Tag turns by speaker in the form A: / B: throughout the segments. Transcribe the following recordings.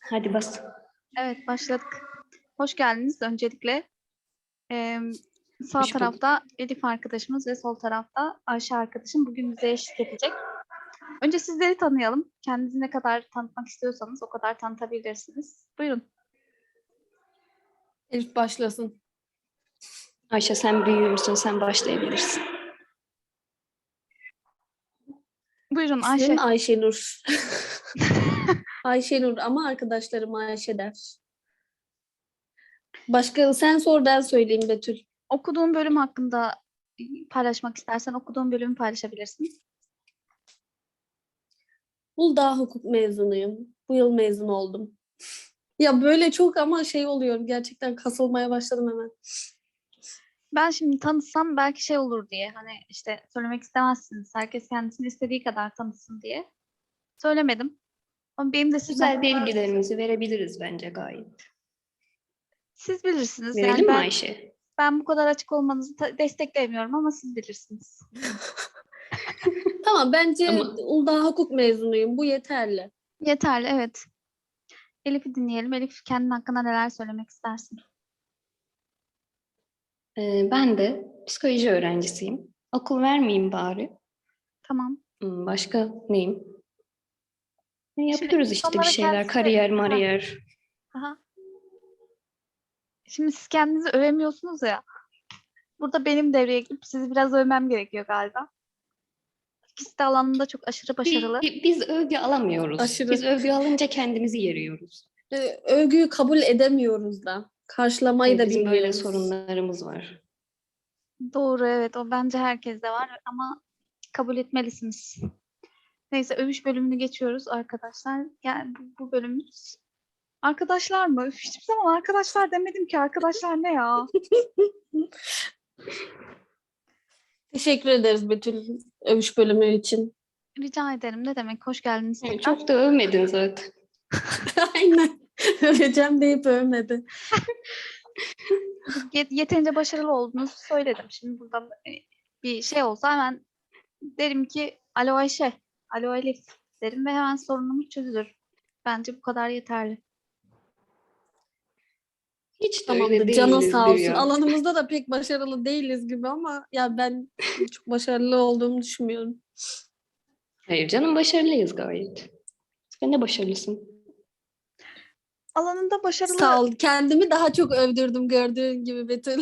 A: Hadi bas.
B: Evet, başladık. Hoş geldiniz öncelikle. Ee, Sağ
A: Hoş bulduk.
B: tarafta Elif arkadaşımız ve sol tarafta Ayşe arkadaşım bugün bize eşlik edecek. Önce sizleri tanıyalım. Kendinizi ne kadar tanıtmak istiyorsanız o kadar tanıtabilirsiniz. Buyurun.
C: Elif başlasın.
A: Ayşe sen büyüğümsün, sen başlayabilirsin.
B: Buyurun Ayşe.
C: İsmim Ayşenur. Ayşenur ama arkadaşlarım Ayşe der. Başka sen sor, ben söyleyeyim Betül.
B: Okuduğun bölüm hakkında paylaşmak istersen okuduğun bölümü paylaşabilirsin.
C: Uludağ hukuk mezunuyum. Bu yıl mezun oldum. Ya böyle çok ama oluyorum. Gerçekten kasılmaya başladım hemen.
B: Ben şimdi tanıtsam belki şey olur diye hani işte söylemek istemezsiniz. Herkes kendisini istediği kadar tanıtsın diye. Söylemedim. Ama benim de sizden
A: Güzel bilgilerimizi verebiliriz bence gayet.
B: siz bilirsiniz.
A: Verelim
B: Yani
A: mi
B: ben
A: Ayşe?
B: Ben bu kadar açık olmanızı desteklemiyorum ama siz bilirsiniz.
C: Tamam, bence
A: Ama-
C: Uludağ hukuk mezunuyum. Bu yeterli.
B: Yeterli, evet. Elif'i dinleyelim. Elif kendin hakkında neler söylemek istersin?
A: Ben de psikoloji öğrencisiyim. Okul vermeyeyim bari.
B: Tamam.
A: Başka neyim?
B: Şimdi
A: Yapıyoruz işte bir
B: insanlara
A: şeyler. Kariyer, mariyer.
B: Aha. Şimdi siz kendinizi övemiyorsunuz ya. Burada benim devreye girip sizi biraz övmem gerekiyor galiba. İkisi de alanında çok aşırı başarılı.
A: Biz övgü alamıyoruz.
C: Aşırı.
A: Biz övgü alınca kendimizi yeriyoruz.
C: Övgüyü kabul edemiyoruz da. Karşılamayı da
A: Bizim böyle
C: bilmiyoruz.
A: sorunlarımız var.
B: Doğru, evet. O bence herkeste var ama kabul etmelisiniz. Neyse, övüş bölümünü geçiyoruz arkadaşlar. Yani bu bölümümüz arkadaşlar mı? Üf, hiçbir zaman arkadaşlar demedim ki. Arkadaşlar ne ya?
C: Teşekkür ederiz Betül övüş bölümü için.
B: Rica ederim. Ne demek? Hoş geldiniz
A: Yani
B: tekrar.
A: çok da övmedin zaten.
C: Aynen. Öveceğim deyip övmedi.
B: Yeterince başarılı olduğunuzu söyledim. Şimdi burada bir şey olsa hemen derim ki alo Ayşe, alo Elif derim ve hemen sorunumuz çözülür. Bence bu kadar yeterli.
A: Hiç de
C: Tamamdır.
A: öyle
C: Canın
A: değilizdir
C: sağ olsun.
A: ya.
C: Alanımızda da pek başarılı değiliz gibi ama ya ben çok başarılı olduğumu düşünmüyorum.
A: Hayır canım, başarılıyız gayet. Sen de başarılısın.
B: Alanında başarılı...
C: Sağ ol. Kendimi daha çok övdürdüm gördüğün gibi Betül.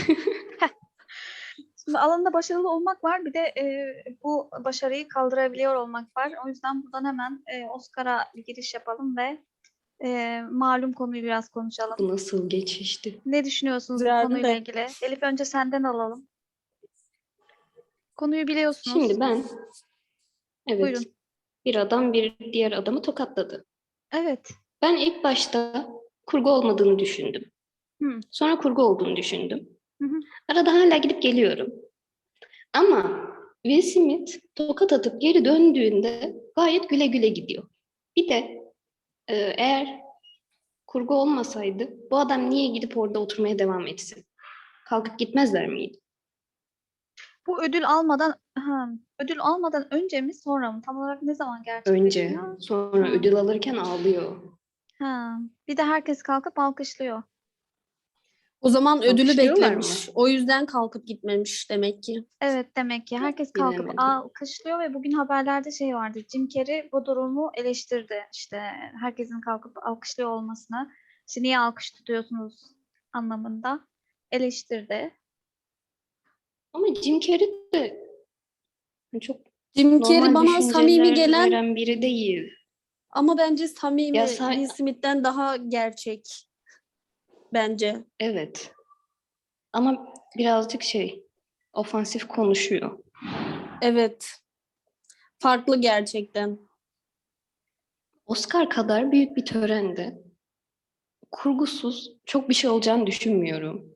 B: Şimdi alanında başarılı olmak var. Bir de bu başarıyı kaldırabiliyor olmak var. O yüzden buradan hemen Oscar'a bir giriş yapalım ve malum konuyu biraz konuşalım.
A: Bu nasıl geçişti?
B: Ne düşünüyorsunuz bu
C: Güzeldi
B: konuyla
C: de.
B: ilgili? Elif, önce senden alalım. Konuyu biliyorsunuz.
A: Şimdi evet,
B: Buyurun.
A: bir adam bir diğer adamı tokatladı.
B: Evet.
A: Ben ilk başta kurgu olmadığını düşündüm.
B: Hı.
A: Sonra kurgu olduğunu düşündüm.
B: Hı hı.
A: Arada hala gidip geliyorum. Ama Will Smith tokat atıp geri döndüğünde gayet güle güle gidiyor. Bir de eğer kurgu olmasaydı bu adam niye gidip orada oturmaya devam etsin? Kalkıp gitmezler miydi?
B: Bu ödül almadan önce mi sonra mı? Tam olarak ne zaman
A: Önce,
B: gerçekleşiyor?
A: sonra
B: Ha.
A: ödül alırken ağlıyor.
B: Bir de herkes kalkıp alkışlıyor.
C: O zaman ödülü
A: Alkışlıyorlar
C: beklemiş.
A: mı?
C: O yüzden kalkıp gitmemiş demek ki.
B: Evet, demek ki herkes kalkıp
A: Bilemedim.
B: alkışlıyor ve bugün haberlerde şey vardı. Jim Carrey bu durumu eleştirdi. İşte herkesin kalkıp alkışlıyor olmasını. İşte niye alkış tutuyorsunuz anlamında eleştirdi.
A: Ama Jim Carrey de çok
C: Jim Carrey
A: normal
C: bana samimi
A: düşünceler
C: gelen
A: veren biri değil.
C: ama bence samimi
A: Ya
C: Will Smith'ten daha gerçek. Bence.
A: Evet. Ama birazcık ofansif konuşuyor.
C: Evet. Farklı gerçekten.
A: Oscar kadar büyük bir törende kurgusuz çok bir şey olacağını düşünmüyorum.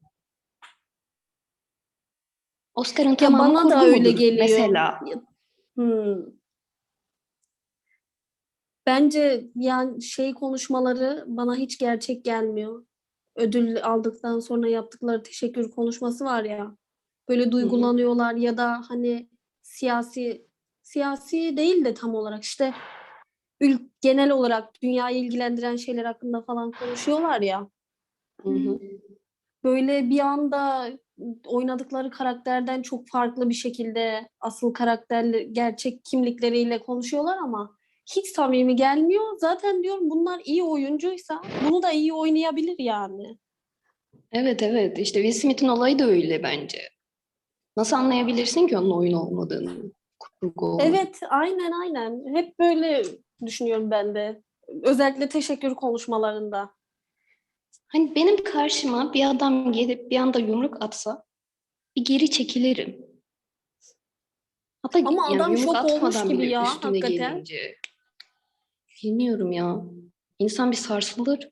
A: Oscar'ın
C: Ya
A: tamamı
C: bana da
A: kurgu
C: öyle
A: mudur
C: geliyor.
A: mesela?
C: Hmm. Bence yani konuşmaları bana hiç gerçek gelmiyor. Ödül aldıktan sonra yaptıkları teşekkür konuşması var ya. Böyle duygulanıyorlar ya da hani siyasi değil de tam olarak işte genel olarak dünyayı ilgilendiren şeyler hakkında falan konuşuyorlar ya.
A: Hı hı.
C: Böyle bir anda oynadıkları karakterden çok farklı bir şekilde asıl karakterli gerçek kimlikleriyle konuşuyorlar ama hiç samimi gelmiyor. Zaten diyorum bunlar iyi oyuncuysa bunu da iyi oynayabilir yani.
A: Evet evet işte Will Smith'in olayı da öyle bence. Nasıl anlayabilirsin ki onun oyun olmadığını, kurgu olduğunu?
C: Evet, aynen. Hep böyle düşünüyorum ben de. Özellikle teşekkür konuşmalarında.
A: Hani benim karşıma bir adam gelip bir anda yumruk atsa bir geri çekilirim. Hatta
C: Ama
A: yani
C: adam
A: yumruk
C: şok olmuş
A: atmadan
C: gibi
A: bile
C: ya
A: üstüne
C: hakikaten.
A: gelince bilmiyorum ya. İnsan bir sarsılır.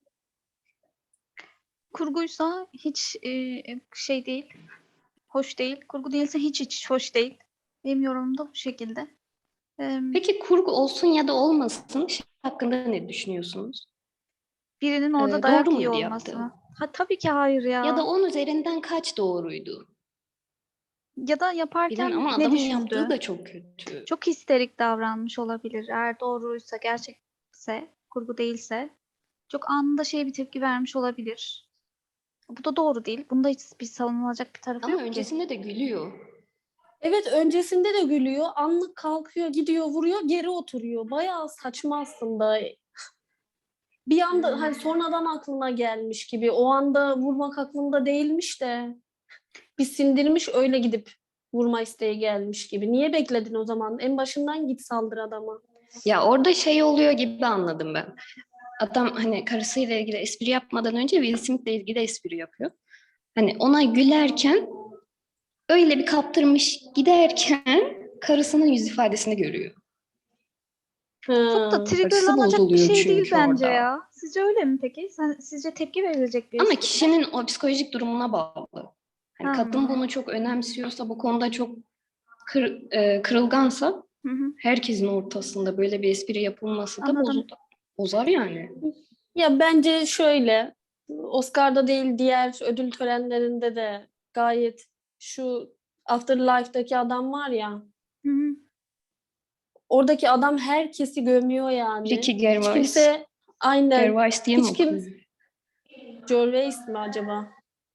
B: Kurguysa hiç şey değil, hoş değil. Kurgu değilse hiç hoş değil. Benim yorumum da bu şekilde.
A: Peki kurgu olsun ya da olmasın şey hakkında ne düşünüyorsunuz?
B: Birinin orada
A: Doğru
B: dayak yiyor
A: muydu
B: olması
A: yaptığı?
B: mı? Ha, tabii ki hayır
A: Ya da
B: ya.
A: 10 üzerinden kaç doğruydu?
B: Ya da
A: Bilen
B: yaparken
A: ama
B: ne
A: adamın yaptığı
B: düşündü?
A: da çok kötü.
B: Çok histerik davranmış olabilir. Eğer doğruysa, gerçekse, kurgu değilse çok anında bir tepki vermiş olabilir. Bu da doğru değil. Bunda hiçbir savunulacak bir tarafı
A: Ama
B: yok ki.
A: öncesinde de gülüyor.
C: Evet, öncesinde de gülüyor. Anlık kalkıyor, gidiyor, vuruyor, geri oturuyor. Bayağı saçma aslında. Bir anda hani sonradan aklına gelmiş gibi. O anda vurmak aklında değilmiş de bir sindirmiş öyle gidip vurma isteği gelmiş gibi. Niye bekledin o zaman? En başından git saldır adama.
A: Ya orada şey oluyor gibi anladım ben. Adam hani karısıyla ilgili espri yapmadan önce Will Smith'le ilgili espri yapıyor. Hani ona gülerken öyle bir kaptırmış giderken karısının yüz ifadesini görüyor.
B: Çok da
C: Ha.
A: Karısı
B: triggerlanacak bir
A: bozuluyor
B: şey değil
A: çünkü
B: bence
A: orada.
B: ya. Sizce öyle mi peki? Sizce tepki verilecek bir
A: Ama
B: espri mi?
A: kişinin o psikolojik durumuna bağlı. Hani kadın
B: Hmm.
A: bunu çok önemsiyorsa, bu konuda çok kırılgansa
B: Hı hı.
A: herkesin ortasında böyle bir espri yapılması da
B: Anladım.
A: bozar yani.
C: Ya bence şöyle, Oscar'da değil diğer ödül törenlerinde de gayet şu Afterlife'daki adam var ya,
B: Hı hı.
C: oradaki adam herkesi gömüyor yani.
A: Ricky
C: Hiç
A: Gervais.
C: kimse aynen
A: Gervais diye mi
C: hiç kim
A: okunuyor?
C: Gervais mi acaba?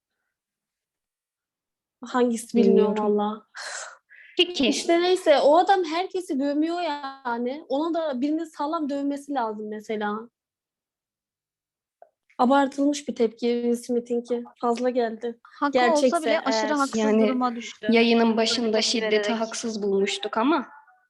C: Hangisi bilmiyorum
A: Bilmiyorum.
C: valla.
A: Peki.
C: İşte neyse o adam herkesi gömüyor yani. Ona da birinin sağlam dövmesi lazım mesela. Abartılmış bir tepki Will Smith'inki. Fazla geldi.
B: Haklı olsa bile
C: Gerçekse
B: aşırı
C: eğer.
B: haksız
A: Yani
B: duruma düştü.
A: yayının
B: Böyle
A: başında
B: tepki
A: şiddeti
B: vererek.
A: haksız bulmuştuk ama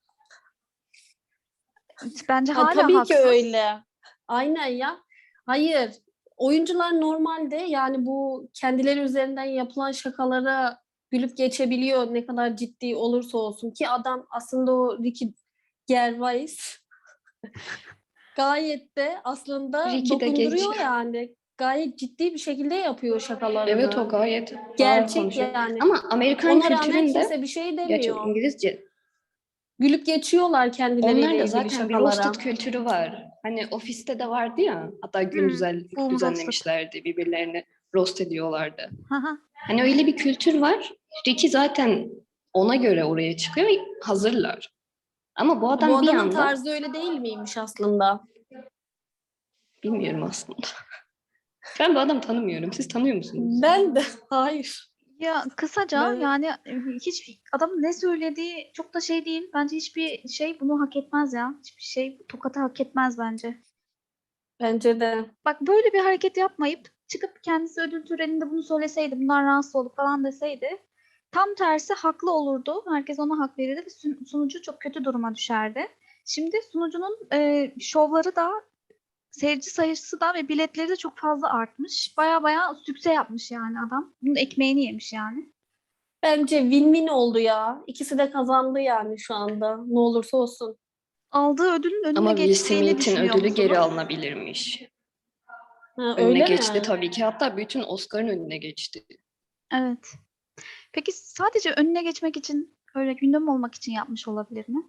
B: Bence
C: Ha,
B: hala
C: tabii ki
B: haksız.
C: öyle. Aynen ya. Hayır. Oyuncular normalde yani bu kendileri üzerinden yapılan şakalara gülüp geçebiliyor ne kadar ciddi olursa olsun ki adam aslında o Ricky Gervais gayet de aslında
A: Ricky de geç.
C: dokunduruyor yani. Gayet ciddi bir şekilde yapıyor
A: Evet o
C: şakalarını.
A: gayet ağır
C: Gerçek
A: konuşuyor.
C: yani.
A: Ama Amerikan
C: Ona rağmen
A: kültüründe,
C: kimse bir şey
A: gerçi
C: demiyor.
A: İngilizce,
C: Gülüp geçiyorlar
A: onlar
C: kendileriyle
A: da
C: ilgili
A: zaten bir roasted
C: şakalara.
A: kültürü var. Hani ofiste de vardı ya, hatta gün
B: Hmm. Boom roasted.
A: düzenlemişlerdi, birbirlerini roast ediyorlardı.
B: Haha.
A: Hani öyle bir kültür var. Ricky zaten ona göre oraya çıkıyor, hazırlar. Ama bu
C: Bu
A: adam bir
C: adamın
A: anda,
C: tarzı öyle değil miymiş aslında?
A: bilmiyorum aslında. Ben bu adamı tanımıyorum. Siz tanıyor musunuz?
C: Ben de hayır.
B: Ya kısaca
C: Ben
B: yani hiç adamın ne söylediği çok da şey değil. Bence hiçbir şey bunu hak etmez ya. Hiçbir şey tokatı hak etmez bence.
C: bence de.
B: Bak böyle bir hareket yapmayıp çıkıp kendisi ödül töreninde bunu söyleseydi, bunlar rahatsız olduk falan deseydi tam tersi haklı olurdu. Herkes ona hak verirdi ve sunucu çok kötü duruma düşerdi. Şimdi sunucunun şovları da seyirci sayısı da ve biletleri de çok fazla artmış. Baya baya sükse yapmış yani adam. Bunun ekmeğini yemiş yani.
C: Bence win-win oldu ya. İkisi de kazandı yani şu anda. Ne olursa olsun.
B: Aldığı ödülün önüne
A: Ama Will
B: geçtiğini
A: Smith'in
B: düşünüyor
A: ödülü geri
B: musunuz?
A: alınabilirmiş.
C: Ha,
A: Önüne
C: öyle
A: geçti
C: mi?
A: tabii ki. Hatta bütün Oscar'ın önüne geçti.
B: Evet. Peki sadece önüne geçmek için, öyle gündem olmak için yapmış olabilir mi?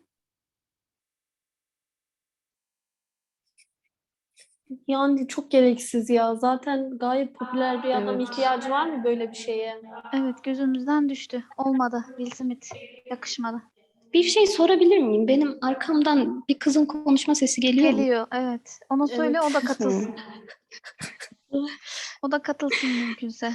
C: Yani çok gereksiz ya. Zaten gayet popüler bir adam.
A: Evet.
C: İhtiyacı var mı böyle bir şeye?
B: Evet, gözümüzden düştü. Olmadı. Will Smith yakışmadı.
A: Bir şey sorabilir miyim? Benim arkamdan bir kızın konuşma sesi geliyor mu?
B: Geliyor, evet. Ona söyle,
C: Evet.
B: o da katılsın.
A: Hı.
B: O da katılsın mümkünse.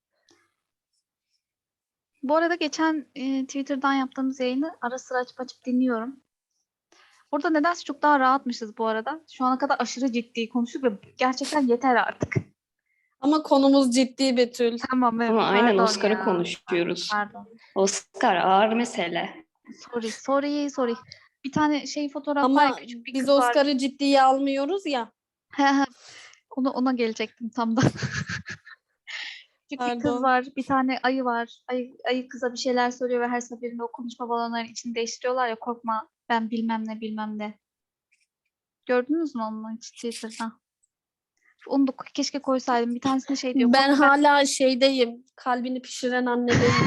B: Bu arada geçen Twitter'dan yaptığımız yayını ara sıra açıp açıp dinliyorum. Orada nedense çok daha rahatmışız bu arada. Şu ana kadar aşırı ciddi konuştuk ve gerçekten yeter artık.
C: Ama konumuz ciddi, Betül.
B: Tamam, evet.
A: Ama aynen
B: Pardon
A: Oscar'ı
B: ya.
A: konuşuyoruz.
B: Pardon.
A: Oscar ağır mesele.
B: Sorry. Bir tane fotoğraf var ya,
C: Ama
B: küçük bir
C: biz
B: kız var.
C: Oscar'ı ciddiye almıyoruz ya.
B: Ona gelecektim tam da. Küçük bir kız
C: Pardon.
B: var, bir tane ayı var. Ayı kıza bir şeyler söylüyor ve her seferinde o konuşma balonlarının içini değiştiriyorlar ya, korkma ben bilmem ne. Gördünüz mü onu hiç Twitter'da? Onu da keşke koysaydım. Bir tanesinde şey diyor.
C: Ben
B: Korkma
C: hala şeydeyim. Kalbini pişiren annedeyim.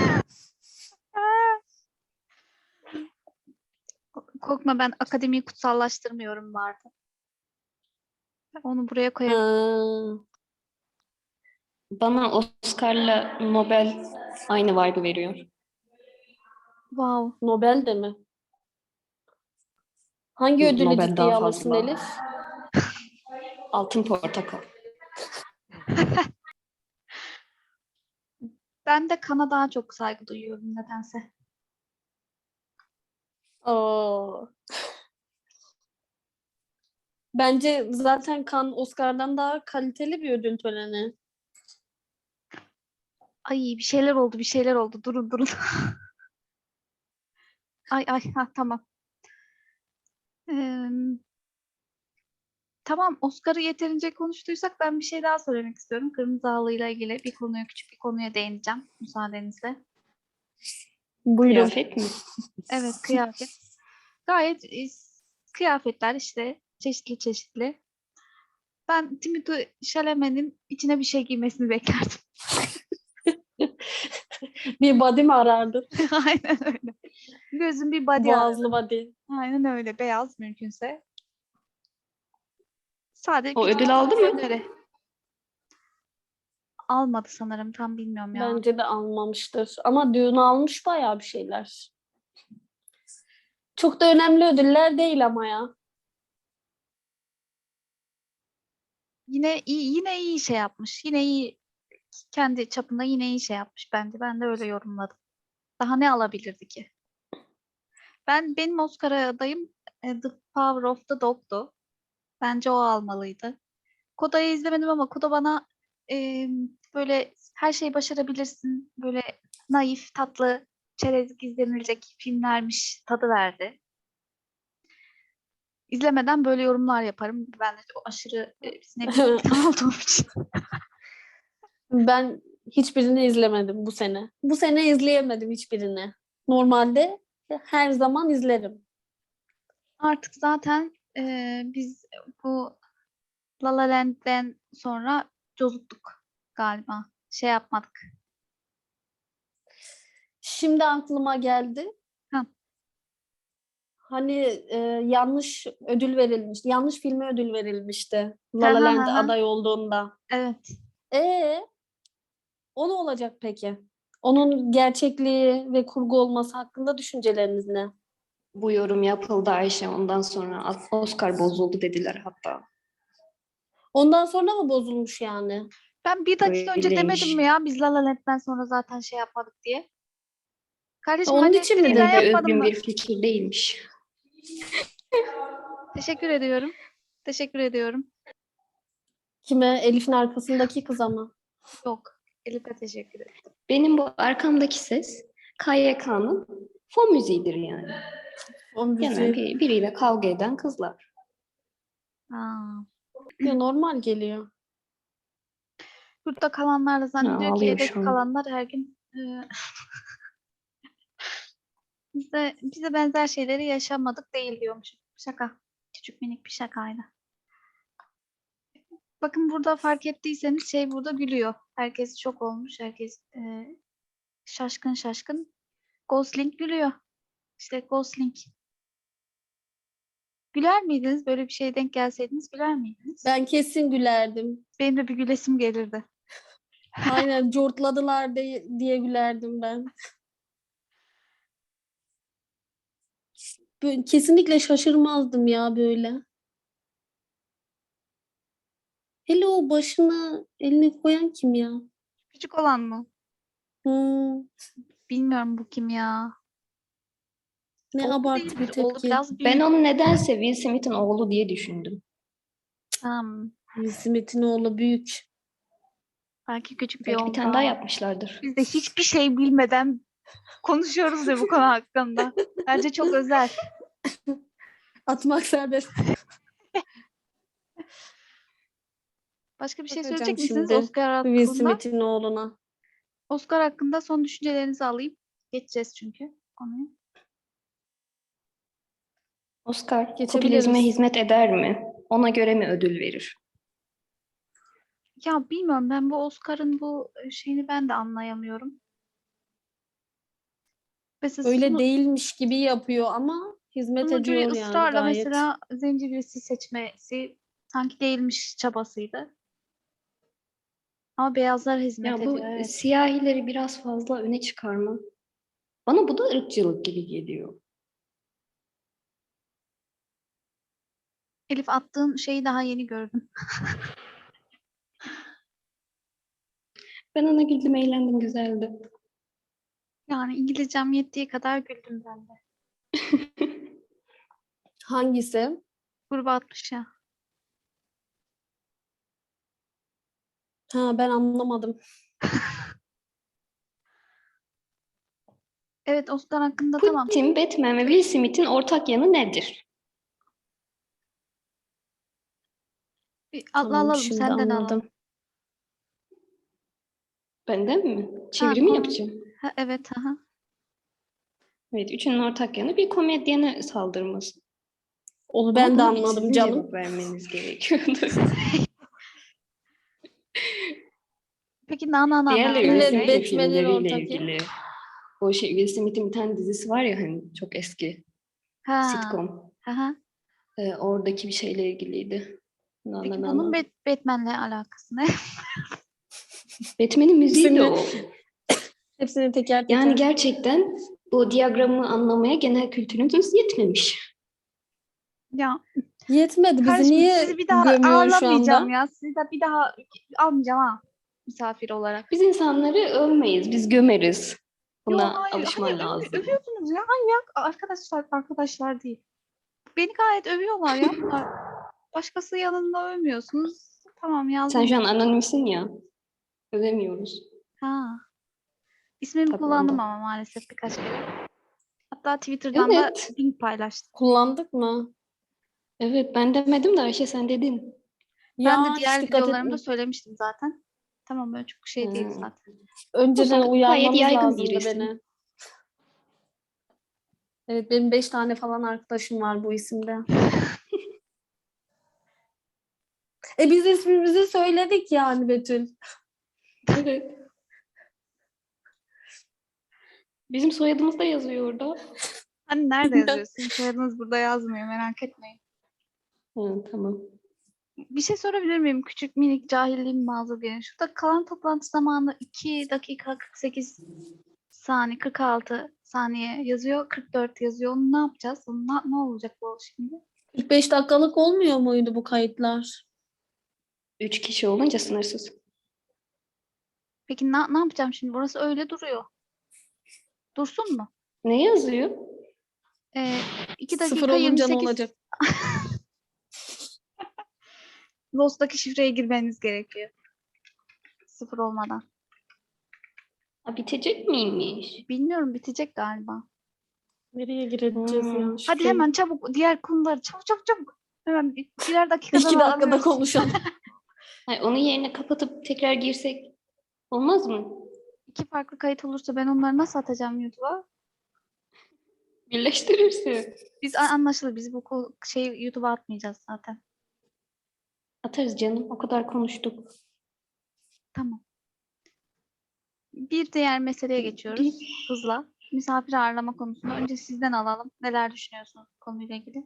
B: korkma ben akademiyi kutsallaştırmıyorum vardı. Onu buraya koyabilirim.
C: Ha,
A: Bana Oscar'la Nobel aynı vibe'ı veriyor.
B: Wow.
C: Nobel de mi? Hangi ödülü
A: Nobel daha
C: ciddiye alırsın
A: fazla.
C: Elif?
A: Altın portakal.
B: Ben de Kan'a daha çok saygı duyuyorum nedense.
C: Oo. Bence zaten Cannes Oscar'dan daha kaliteli bir ödül töreni.
B: Ay bir şeyler oldu. Durun. Ay tamam. Ee, tamam, Oscar'ı yeterince konuştuysak ben bir şey daha söylemek istiyorum. Kırmızı Halı'yla ilgili küçük bir konuya değineceğim müsaadenizle.
C: Buyurun.
A: Kıyafet mi?
B: Evet, kıyafet. Gayet kıyafetler işte çeşitli. Ben Timothée Chalamet'in içine bir şey giymesini beklerdim.
C: Bir body mi arardın?
B: Aynen öyle. Gözüm bir body aradı.
C: Boğazlı body.
B: Aynen öyle. Beyaz mümkünse. Sadece
A: O
B: küçük
A: ödül aldı
B: bir
A: mı?
B: öneri. Almadı sanırım. Tam bilmiyorum ya.
C: Bence de almamıştır. Ama düğün almış bayağı bir şeyler. Çok da önemli ödüller değil ama ya.
B: Yine iyi şey yapmış. Yine iyi, kendi çapında yine iyi şey yapmış bence. Ben de öyle yorumladım. Daha ne alabilirdi ki? Benim Oscar adayım The Power of the Dog'du. Bence o almalıydı. Koda'yı izlemedim ama Koda bana e, böyle her şeyi başarabilirsin. Böyle naif, tatlı, çerezlik izlenilecek filmlermiş tadı verdi. İzlemeden böyle yorumlar yaparım. Ben de o aşırı ne bileyim insan olduğum için.
C: Ben hiçbirini izlemedim bu sene. Bu sene izleyemedim hiçbirini. Normalde her zaman izlerim.
B: Artık zaten biz bu La La Land'den sonra cozuttuk galiba. Şey yapmadık.
C: Şimdi aklıma geldi.
B: Ha.
C: Hani yanlış ödül verilmiş. Yanlış filme ödül verilmişti.
B: Ha,
C: La La
B: ha,
C: Land
B: ha, ha.
C: aday olduğunda.
B: Evet.
C: E o ne olacak peki? Onun gerçekliği ve kurgu olması hakkında düşünceleriniz ne?
A: Bu yorum yapıldı Ayşe. Ondan sonra Oscar bozuldu dediler hatta.
C: Ondan sonra mı bozulmuş yani?
B: Ben bir dakika önce demedim
A: Öyleymiş.
B: mi ya biz La La Land'den sonra zaten şey yapmadık diye. Kardeşim
C: Onun
B: ben
C: için mi
B: eleştiriyi ben
A: Bence
C: dedin?
B: yapmadım
A: özgün
B: mı?
A: bir fikir değilmiş.
B: Teşekkür ediyorum. Teşekkür ediyorum.
C: Kime? Elif'in arkasındaki kıza mı?
B: Yok. Elif'e teşekkür ederim.
A: Benim bu arkamdaki ses KYK'nın fon müziğidir yani.
C: O
A: Genel
C: bizi
A: biriyle kavga eden kızlar.
B: Aa.
C: normal geliyor.
B: Yurtta kalanlar da
A: Ha,
B: zannediyor ki
A: ağlıyor şu
B: evdeki
A: an.
B: kalanlar her gün bize benzer şeyleri yaşamadık değil diyormuşum. Şaka. Küçük minik bir şakaydı. Bakın burada fark ettiyseniz burada gülüyor. Herkes şok olmuş. Herkes şaşkın. Gosling gülüyor. İşte Gosling. Güler miydiniz? Böyle bir şeye denk gelseydiniz güler miydiniz?
C: Ben kesin gülerdim.
B: Benim de bir gülesim gelirdi.
C: Aynen cortladılar diye gülerdim ben. Kesinlikle şaşırmazdım ya böyle. Hele o başına elini koyan kim ya?
B: Küçük olan mı?
C: Hmm,
B: Bilmiyorum bu kim ya.
C: ne
B: Oğlu
C: abartı bir
B: değildir. Oğlu
C: tepki.
B: biraz
A: Ben
B: büyük.
A: onu nedense Will Smith'in oğlu diye düşündüm.
C: Will Smith'in oğlu büyük.
B: Belki küçük bir
A: Belki bir
B: oğlu
A: tane
B: daha
A: daha
B: var.
A: yapmışlardır.
B: Biz de hiçbir şey bilmeden konuşuyoruz ya bu konu hakkında. Bence çok özel.
C: Atmak serbest.
B: Başka bir şey
C: Bakacağım
B: söyleyecek misiniz
C: şimdi
B: Oscar
C: Will
B: hakkında?
C: Smith'in oğluna.
B: Oscar hakkında son düşüncelerinizi alayım. Geçeceğiz çünkü konuyu.
A: Oscar
C: Geçebiliriz.
A: popülizme hizmet eder mi? Ona göre mi ödül verir?
B: Ya bilmiyorum, ben bu Oscar'ın bu şeyini ben de anlayamıyorum. Mesela
C: Öyle değilmiş gibi yapıyor ama hizmet
B: sunucuyu
C: ediyor yani
B: ısrarla
C: gayet.
B: mesela zencefilsi seçmesi sanki değilmiş çabasıydı. Ama beyazlar hizmet
A: Ya bu
B: ediyor, evet.
A: siyahileri biraz fazla öne çıkarma. Bana bu da ırkçılık gibi geliyor.
B: Elif, attığın şeyi daha yeni gördüm.
A: Ben ona güldüm, eğlendim, güzeldi.
B: Yani İngilizcem yettiği kadar güldüm ben de.
C: Hangisi?
B: Gruba atmış ya.
C: Ha, ben anlamadım.
B: Evet, Oscar hakkında tamam.
A: Putin, Batman ve Will Smith'in ortak yanı nedir?
B: Bir
C: Tamam,
B: alalım,
C: şimdi
B: senden alalım.
C: anladım.
A: Benden mi?
B: Ha,
A: Çevirimi yapacağım.
B: Ha, evet. Aha.
A: Evet, üçünün ortak yanı bir komedyene saldırması.
C: Onu
A: Ama
C: ben de
A: buna
C: anladım
A: sizin
C: canım.
A: cevap vermeniz gerekiyordu.
B: Peki na
A: Diğerleri Will
C: Evet,
A: Smith'in
C: Batman'in
A: filmleriyle
C: ortak yanı.
A: ilgili. O şey, Will Smith'in bir tane dizisi var ya hani çok eski.
B: Ha.
A: Sitcom.
B: Aha.
A: Oradaki bir şeyle ilgiliydi.
B: Peki bunun Batman'le alakası ne?
A: Batman'in müziği de
C: Hepsini,
A: o.
C: hepsini teker teker.
A: Yani gerçekten bu diyagramı anlamaya genel kültürümüz yetmemiş.
B: Ya
C: Yetmedi. Bizi
B: kardeşim,
C: niye
B: sizi bir daha
C: gömüyorsun şu
B: ağırlamayacağım
C: anda?
B: ya. Sizi de bir daha almayacağım ha. Misafir olarak.
A: Biz insanları övmeyiz, biz gömeriz.
B: Yo,
A: Buna
B: hayır. Hayır,
A: alışman lazım.
B: övüyorsunuz ya. Manyak. Arkadaşlar değil. Beni gayet övüyorlar ya bunlar. Başkası yanında övmüyorsunuz. Tamam,
A: Sen
B: yazdım
A: şu an
B: bunu.
A: anonimsin ya. Övemiyoruz.
B: Ha. İsmimi
A: Tabii
B: kullandım
A: ondan.
B: ama maalesef birkaç kere. Hatta Twitter'dan da
A: Evet.
B: link paylaştım.
C: Kullandık mı?
A: Evet, ben demedim de Ayşe sen dedin.
B: Ben de
C: Ya hiç
B: diğer
C: dikkat
B: videolarımda
C: etmedim.
B: söylemiştim zaten. Tamam, böyle çok şey değil
A: Ha.
B: zaten.
A: O
C: Önceden
A: zaman gayet
C: uyarmanız
A: yaygın bir
C: lazımdı
A: isim.
C: beni. Evet, benim 5 tane falan arkadaşım var bu isimde. Biz ismimizi söyledik yani Betül.
A: Evet. Bizim soyadımız da yazıyor orada.
B: Hani nerede yazıyorsun? Soyadınız burada yazmıyor, merak etmeyin.
A: Ha, tamam.
B: Bir şey sorabilir miyim? Küçük minik cahilliğim mazur gelin. Şurada kalan toplantı zamanı 2 dakika 48 saniye, 46 saniye yazıyor. 44 yazıyor. Onu ne yapacağız? Ne olacak bu şimdi?
C: 45 dakikalık olmuyor muydu bu kayıtlar?
A: 3 kişi olunca sınırsız.
B: Peki ne yapacağım şimdi? Burası öyle duruyor. Dursun mu?
A: Ne yazıyor?
B: 2
C: Sıfır
B: dakika
C: olunca ne
B: 28.
C: olacak?
B: Lost'taki şifreye girmeniz gerekiyor. 0 olmadan.
A: Ha, bitecek miymiş?
B: Bilmiyorum, bitecek galiba.
C: Nereye gireceğiz ya?
B: Hadi
C: Şifreyi.
B: hemen çabuk diğer konuları çabuk. Hemen birer dakikada
C: 2 dakikada
B: alıyoruz.
C: konuşalım.
A: Hayır, onun yerine kapatıp tekrar girsek olmaz mı?
B: 2 farklı kayıt olursa ben onları nasıl atacağım YouTube'a?
A: Birleştirirsin.
B: Biz anlaşıldı. Biz bu YouTube'a atmayacağız zaten.
A: Atarız canım. O kadar konuştuk.
B: Tamam. Bir diğer meseleye geçiyoruz hızla. Misafir ağırlama konusunda önce sizden alalım. Neler düşünüyorsunuz bu konuyla ilgili?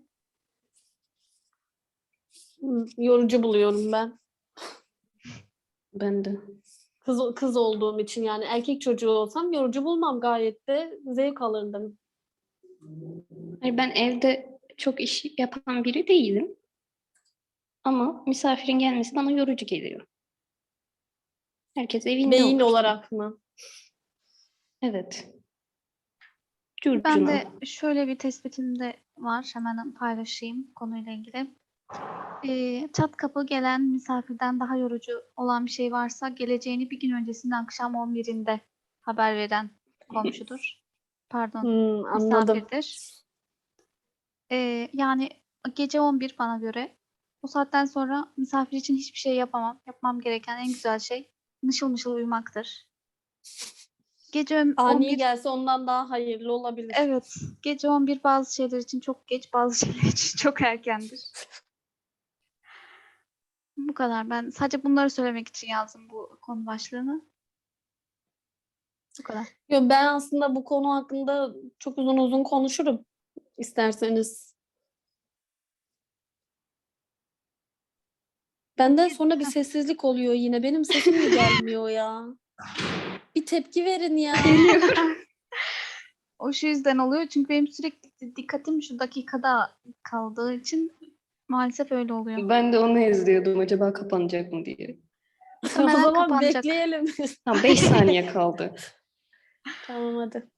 C: Yorucu buluyorum ben.
A: Ben de.
C: Kız olduğum için yani erkek çocuğu olsam yorucu bulmam, gayet de zevk alırdım.
A: Hayır, ben evde çok iş yapan biri değilim. Ama misafirin gelmesi bana yorucu geliyor. Herkes evinde
C: Beyin
A: olursun.
C: olarak mı?
A: Evet.
B: Ben
A: Curcuna.
B: de şöyle bir tespitim de var. Hemen paylaşayım konuyla ilgili. Çat kapı gelen misafirden daha yorucu olan bir şey varsa geleceğini bir gün öncesinden akşam 11'inde haber veren komşudur. Pardon,
C: Anladım.
B: misafirdir. Yani gece 11 bana göre. O saatten sonra misafir için hiçbir şey yapamam. Yapmam gereken en güzel şey mışıl mışıl uyumaktır. Gece
C: Ani
B: 11,
C: gelse ondan daha hayırlı olabilir.
B: evet, gece 11 bazı şeyler için çok geç, bazı şeyler için çok erkendir. Bu kadar. Ben sadece bunları söylemek için yazdım bu konu başlığını. Bu kadar.
C: Yo, ben aslında bu konu hakkında çok uzun uzun konuşurum isterseniz. Benden sonra bir sessizlik oluyor yine. Benim sesim mi gelmiyor ya? Bir tepki verin ya.
B: O şu yüzden oluyor çünkü benim sürekli dikkatim şu dakikada kaldığı için maalesef öyle oluyor.
A: Ben de onu izliyordum. Acaba kapanacak mı diye.
C: O
B: Muhtemelen
C: zaman
B: kapanacak.
C: bekleyelim.
A: Tam 5 saniye kaldı.
C: Tamam hadi.